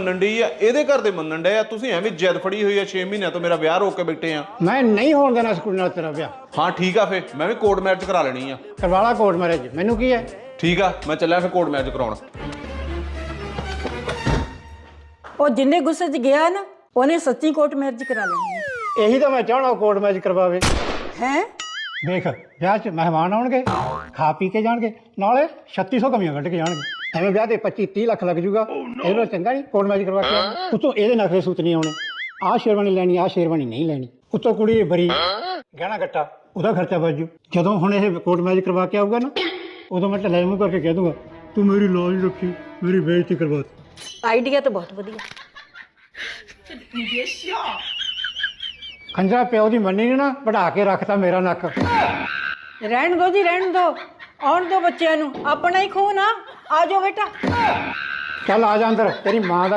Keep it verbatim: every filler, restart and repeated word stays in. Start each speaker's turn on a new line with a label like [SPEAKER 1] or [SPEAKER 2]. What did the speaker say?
[SPEAKER 1] ਮੰਨਣ ਡਈ ਆ, ਇਹਦੇ ਘਰ ਦੇ ਮੰਨਣ ਡਏ ਆ। ਤੁਸੀਂ ਐਵੇਂ ਜਿੱਦ ਫੜੀ ਹੋਈ ਆ, ਛੇ ਮਹੀਨਿਆਂ ਤੋਂ ਮੇਰਾ ਵਿਆਹ ਰੋਕ ਕੇ ਬੈਠੇ ਆ।
[SPEAKER 2] ਮੈਂ ਨਹੀਂ ਹੋਣ ਦੇਣਾ ਇਸ ਕੁੜੀ ਨਾਲ ਤੇਰਾ ਵਿਆਹ।
[SPEAKER 1] ਹਾਂ ਠੀਕ ਆ, ਫੇ ਮੈਂ ਵੀ ਕੋਰਟ ਮੈਰਿਜ ਕਰਾ ਲੈਣੀ ਆ।
[SPEAKER 2] ਕਰਵਾਲਾ ਕੋਰਟ ਮੈਰਿਜ, ਮੈਨੂੰ ਕੀ ਹੈ।
[SPEAKER 1] ਠੀਕ ਆ, ਮੈਂ ਚੱਲਿਆ ਫਿਰ ਕੋਰਟ ਮੈਰਿਜ ਕਰਾਉਣ।
[SPEAKER 3] ਉਹ ਜਿੰਨੇ ਗੁੱਸੇ 'ਚ ਗਿਆ ਨਾ, ਉਹਨੇ ਸੱਚੀ ਕੋਰਟ ਮੈਰਿਜ ਕਰਾ ਲੈਣੀ ਹੈ।
[SPEAKER 2] ਇਹੀ ਤਾਂ ਮੈਂ ਚਾਹਣਾ ਕੋਰਟ ਮੈਰਿਜ ਕਰਵਾਵੇ।
[SPEAKER 3] ਹੈ
[SPEAKER 2] ਦੇਖ ਵਿਆਹ 'ਚ ਮਹਿਮਾਨ ਆਉਣਗੇ, ਖਾ ਪੀ ਕੇ ਜਾਣਗੇ, ਨਾਲੇ ਛੱਤੀ ਸੌ ਕਮੀਆਂ ਕੱਢ ਕੇ ਜਾਣਗੇ। ਐਵੇਂ ਵਿਆਹ ਦੇ ਪੱਚੀ ਤੀਹ ਲੱਖ ਲੱਗ ਜੂਗਾ। ਇਹਦੇ ਨਾਲ ਚੰਗਾ ਨਹੀਂ ਕੋਰਟ ਮੈਰਿਜ ਕਰਵਾ ਕੇ। ਉੱਤੋਂ ਇਹਦੇ ਨਖਰੇ ਸੂਤ ਨਹੀਂ ਆਉਣੇ, ਆਹ ਸ਼ੇਰਵਾਨੀ ਲੈਣੀ, ਆਹ ਸ਼ੇਰਵਾਨੀ ਨਹੀਂ ਲੈਣੀ। ਉੱਤੋਂ ਕੁੜੀ ਬਰੀ, ਗਹਿਣਾ ਗੱਟਾ, ਉਹਦਾ ਖਰਚਾ ਬਚ ਜੂ। ਜਦੋਂ ਹੁਣ ਇਹ ਕੋਰਟ ਮੈਰਿਜ ਕਰਵਾ ਕੇ ਆਊਗਾ ਨਾ, ਉਦੋਂ ਮੈਂ ਢਿੱਲਾ ਮੂੰਹ ਕਰਕੇ ਕਹਿ ਦੂੰਗਾ, ਤੂੰ ਮੇਰੀ ਲਾਜ ਰੱਖੀ, ਮੇਰੀ ਬੇਇੱਜ਼ਤੀ ਕਰਵਾਤੀ।
[SPEAKER 3] ਆਈਡੀਆ ਤਾਂ ਬਹੁਤ ਵਧੀਆ।
[SPEAKER 2] ਖੰਜਰਾ ਪਿਓ ਦੀ ਮੰਨੀ ਨੇ ਨਾ ਵਢਾ ਕੇ ਰੱਖਤਾ ਮੇਰਾ ਨੱਕ।
[SPEAKER 3] ਰਹਿਣ ਦੋ ਜੀ, ਰਹਿਣ ਦੋ, ਆਉਣ ਦੋ ਬੱਚਿਆਂ ਨੂੰ, ਆਪਣਾ ਹੀ ਖੂਨ ਆ। ਆ ਜਾਓ ਬੇਟਾ।
[SPEAKER 2] ਚੱਲ ਆ ਜਾ ਅੰਦਰ, ਤੇਰੀ ਮਾਂ ਦਾ